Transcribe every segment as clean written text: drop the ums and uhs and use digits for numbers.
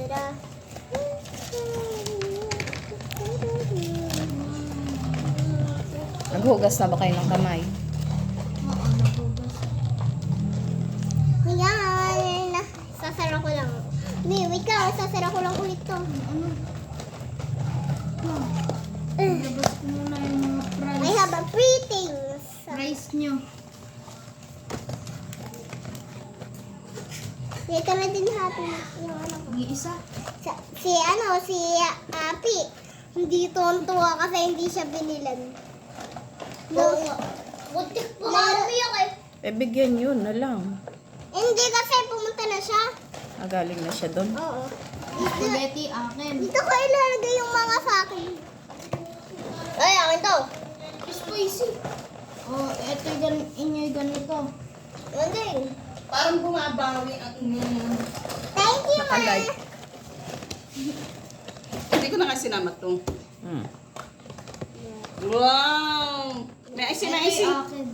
Naghugas na ba kayo ng kamay? Oo, nagugas. Ayan. Sasara ko lang. Wait lang. Sasara ko lang ulit to. Ano? Labas ko muna yung mga I fries. have a free things. Fries nyo. Dito na din natin yung ano ko. Mag-iisa. Si Api. Hindi tuwa kasi hindi siya binilan. No. Butik po kami ako eh. Bigyan yun na lang. Hindi kasi pumunta na siya. Galing na siya doon. Oo. Spaghetti akin. Dito ko ilalagay yung mga sa akin. Ay, akin to. Spicy. Oh, eto inyo ganito. Hindi. Parang bumabawi ang Thank you, ma. Nakalike. Hindi ko na nga sinama to. Hmm. Wow! May icing, may Eto icing. akin.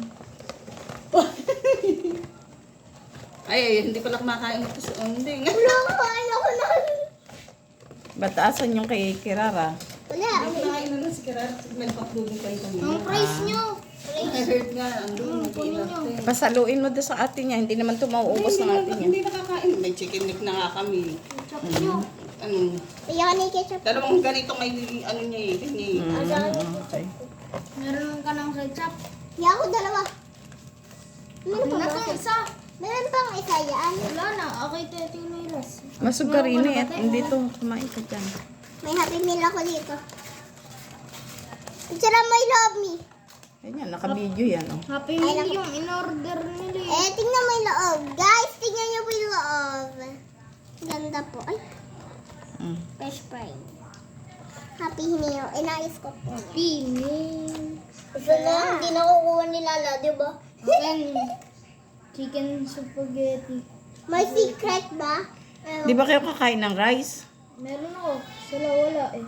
Ay, hindi pala kumakain ito sa onding. Wala ko, ayoko na. Bataasan yung kay Kirara. Wala. Hindi kumakain na lang si Karar. May pakdugin kayo kanina. Ang fries nyo. I heard nga, andun, kunin nag-iingat nyo. eh. Pasaluin mo doon sa ate niya. Hindi naman ito mauubos ng ate niya. Hindi nakakain. May chicken neck na nga kami. Chop nyo. Ano, Ayoko na yung ketchup. dalawang ganito may ano niya eh. Kanya eh. Okay. Meron ka ng ketchup. Hindi ako dalawa. Meron pa Ano ba? to isa? Meron pang isa yan. Wala na. Okay, Tete Nairas. Masog ka rin eh. At hindi to. Kumain ka dyan. May happy meal ako dito. Picture mo, I love me. Ayan, naka-video yan. Oh. Happy Meal yung in-order nila eh. Tingnan mo yung loob. Guys, tingnan niyo po yung loob. Ganda po. Ay, Mm. fresh fry. Happy meal. Inayos ko po. Happy Meal. Ito na, hindi na kukuha ni Lala, di ba? Akin, chicken spaghetti. May secret ba? Di ba kayo kakain ng rice? Meron ako. Sila wala eh.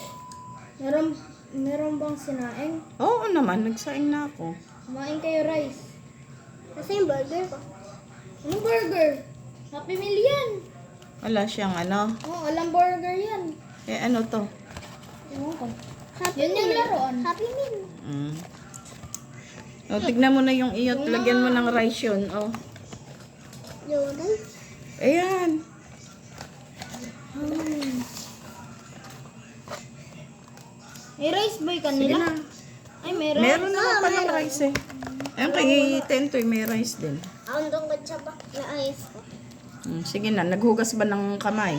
Meron bang sinaing? Oo naman, nagsaing na ako. Kumain kayo rice. Kasi yung burger ko. Anong burger? Happy Meal yan. Wala siyang ano. Oh, alam burger yan. Eh ano to? Ewan ko. Happy Yan yung meal. laruan. Happy meal. Mm. O, tignan mo na yung iyot. Lagyan mo ng rice yun. Oh. Yun. Ayan. May rice boy Sige kanila? na. Ay, meron. Meron naman palang meron. rice eh. Ayun kay Tentoy, may rice din. Ang dungkot siya ba? Naayos ko. Sige na, naghugas ba ng kamay?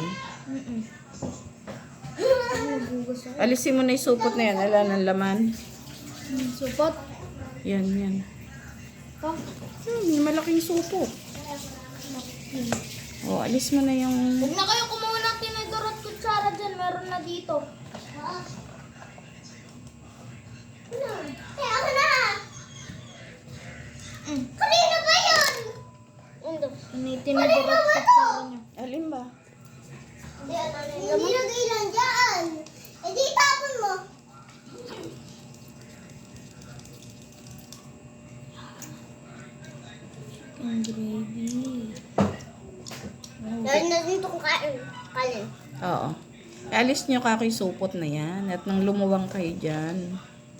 Nagugas ako. Alisin mo na yung supot na yan. Ala ng laman. Supot. Yan, yan. Pa. May malaking supot. O, alis mo na yung... Huwag na kayo kumuha ng tinidor at kutsara dyan. Meron na dito. Eh, ako na! Kanino ba yun? Ando. Tinidor at kutsara nyo. Alin ba? Hindi nag-ilan dyan. Eh, di tapon mo. Ang gravy. Dahil na dito kung kalin. Oo. Alis nyo ka kay supot na yan. At nang lumuwang kayo dyan.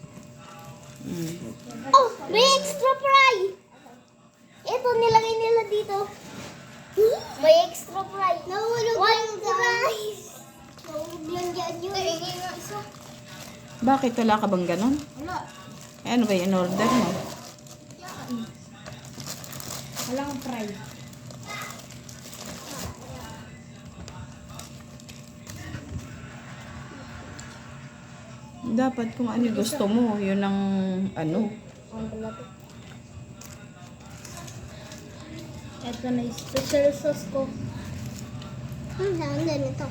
Oh, may extra fry! Ito, nilagay nila dito. May extra fry. Nahulog yung fries. Nahulog yan dyan yun. Tingin nga isa. Bakit? Wala ka bang ganon? Wala. Eh, ano ba yung order mo? Yan. Walang fry. Dapat kung ano gusto mo, yun ang ano. Ito na yung special sauce ko. Saan ganito?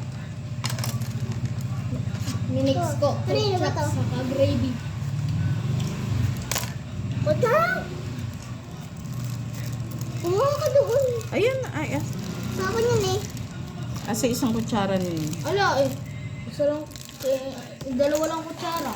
Minix ko. Kanino ba to? Saka gravy. Huwag ka! Kumuha ka doon. Ayan, ay, Sa akin yun eh. asa isang kutsara ninyo. Ala eh. Isa lang. Dalawa lang kutsara.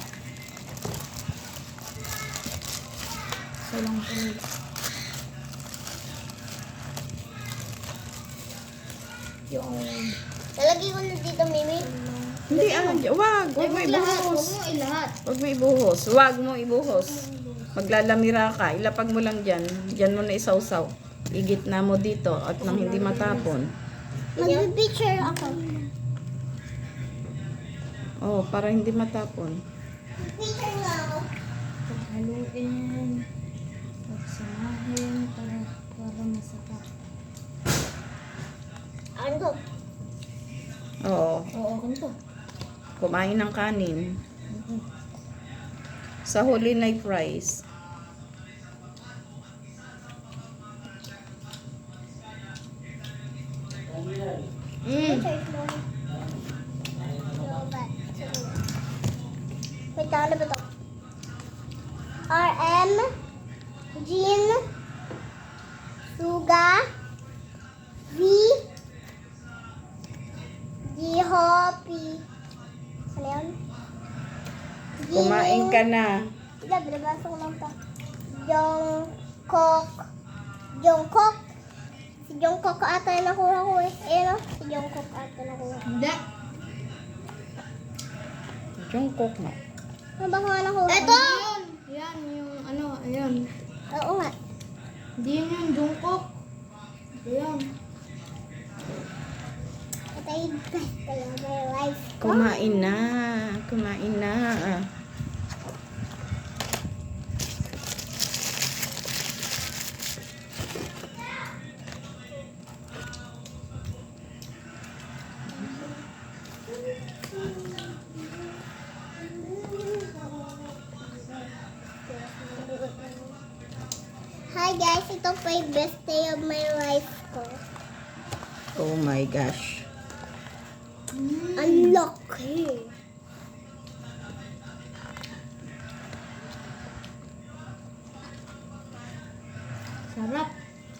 Isa lang talaga. Yung Lalagay ko na dito, Mimi. Hindi, wag mo ibuhos. ilahat. Wag mo ibuhos. Wag mo ibuhos. Maglalamira ka. Ilapag mo lang dyan. Dyan mo na isawsaw. Igitna mo dito at nang hindi matapon. Mag-picture ako. Oh, para hindi matapon. Picture nga ako. Paghaluin. Pagsamahin para masarap. Ano to? Oo. Oo, ganito. Kumain ng kanin. Sa Holy Night Rice. Picture mo. Wait, ano ba to? RM, Jean, Suga, V, Hopi. Ano yun? Kumain ka na. Hindi, binabasa ko lang to. Jungkook. Si Jungkook ata yung nakuha ko eh. Eh, no? Si Jungkook ata nakuha ko. Hindi. Jungkook na. Ano ba kung nakuha ko? Ito! Yan, yung ano, ayan. Oo nga. Hindi yun yung Jungkook. Ayan. Ito yung best kaya my life. Kumain na. Kumain na. Hi guys, ito pa yung best day of my life ko. Oh my gosh. Ang laki. Sarap.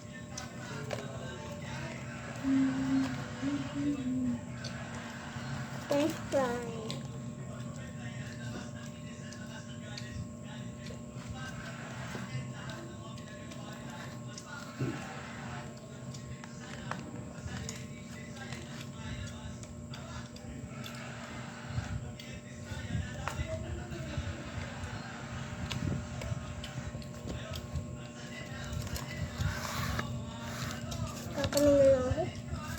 French fry. Kakanin na lang ako.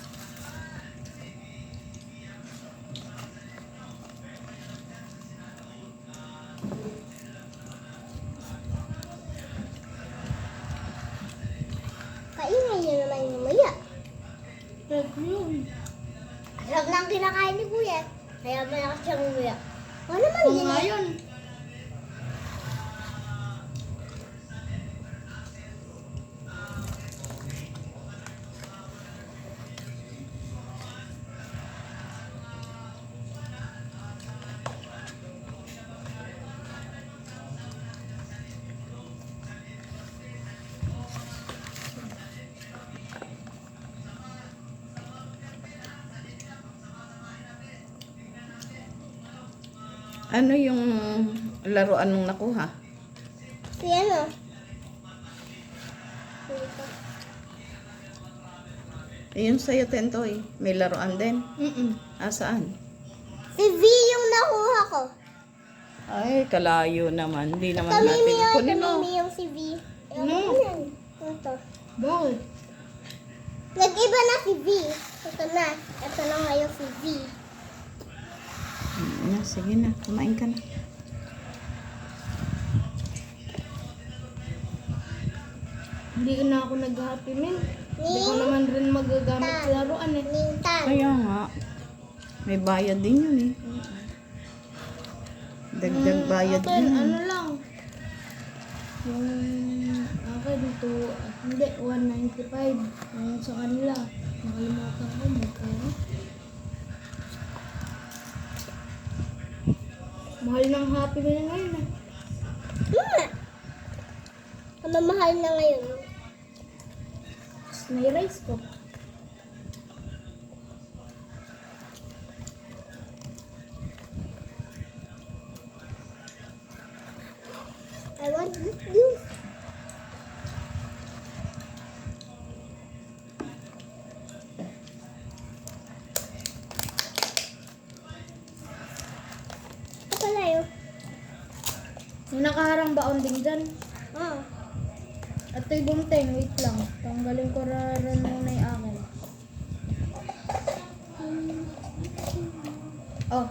Kaingay niya naman yung mamaya. Red yun. Alam na ang kinakain ni Kuya. Kaya malakas siyang umuya. O naman Oo yun. nga yun. Ano yung laruan mong nakuha? Si ano? Dito. Ayun sa'yo, Tentoy. May laruan din. Saan? Si V yung nakuha ko. Ay, kalayo naman. Hindi naman Tamimi natin. yung, Kunin mo. tamimi yung si V. Ano? Ito. Bakit? Nag-iba na si V. Ito na. Ito na ngayon si V. Sige na. Kumain ka na. Hindi na ako nag-happy meal. Hindi ko naman rin magagamit sa laruan eh. Nintan. Kaya nga. May bayad din yun eh. Dagdag bayad Akin, din. ano lang. Yung akin ito, hindi, 195. Yung sa kanila, nakalimutan ko magkano. Mahal ng happy meal ngayon eh. Ang mamahal na ngayon. Tapos na-rice ko. I want this juice. nakaharang ba onding dyan? Ah. At ito'y bunteng, wait lang. Tanggalin ko rin muna yung akin. Oh.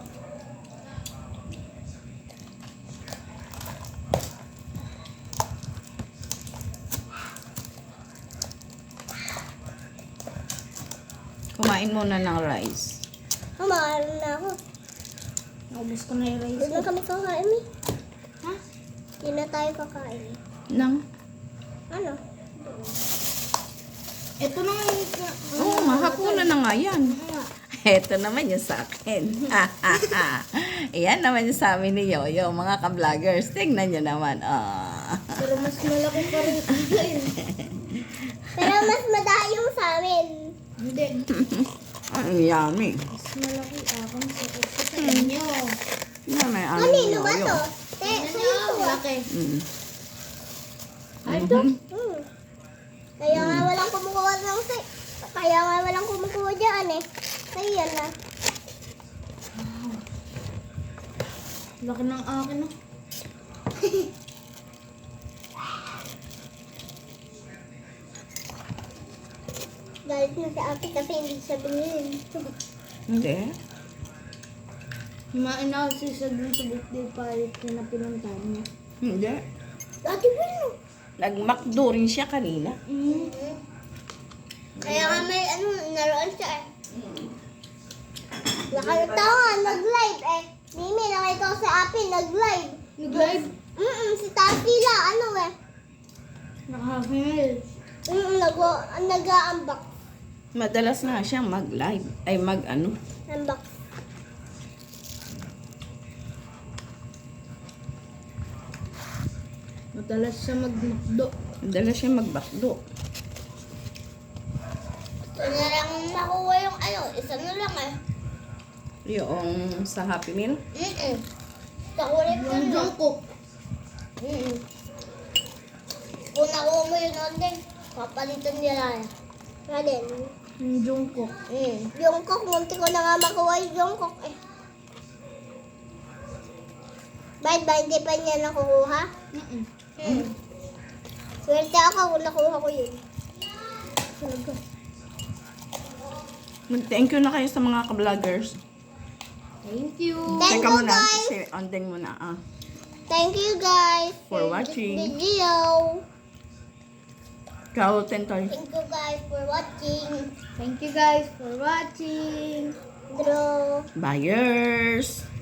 Kumain muna ng rice. Maalam na ako. Naubos ko na yung rice. Doon na kami kakain, Mi. Ha? Hindi na tayo kakain. Nang? Ano? Ito na nga yung... Oo, mahapunan na nga yan. Ito naman yung sa akin. Iyan naman yung sa amin ni Yoyo, mga ka-vloggers. Tingnan nyo naman. Pero mas malaki pa rin akin. Pero mas madami yung sa amin. Hindi. Ang yummy. Mas malaki akin sa inyo. Yan may ano Kanino ba Yoyo. to? Sa'yo to ah. Laki. Mm. Ay, ito? Hmm. Kaya nga walang kumukuha ng Kaya nga walang kumukuha dyan eh. Kaya yan na. Laki ng akin, no? Galit na si ate kasi hindi siya binili. Hindi. Himain ako sa dun sa birthday party na pinuntahan niya. Hindi. Ate Bilo. Nag-McDo rin siya kanina. Kaya nga may naroon siya eh. Nakita ko nga, nag-live eh. Mimi, nakita ko sa api, nag-live. Nag-live? Si Tatila, ano eh. Nakahil. Nag-unbox. Madalas nga siyang mag-live. Ay mag-ano. Unbox. Madalas siya mag-McDo. Madalas siya mag-McDo. Ito na lang makuha yung isa na lang eh. Yung sa Happy Meal. Sa kulit ko Yung na. Jungkook. Kung nakuha mo yun din, papalitan nila eh. Alin? Yung Jungkook. Yung cook, munti ko na nga makuha yung cook eh. Bakit ba hindi pa niya nakukuha? Swerte ako kung nakuha ko yun. Talaga. Thank you na kayo sa mga ka-vloggers. Thank you. Thank Teka you muna. guys. Si Ondeng muna. Thank you guys For this watching. video. Ikaw, Tentoy. Thank you guys for watching. Thank you guys for watching. Draw. Buyers.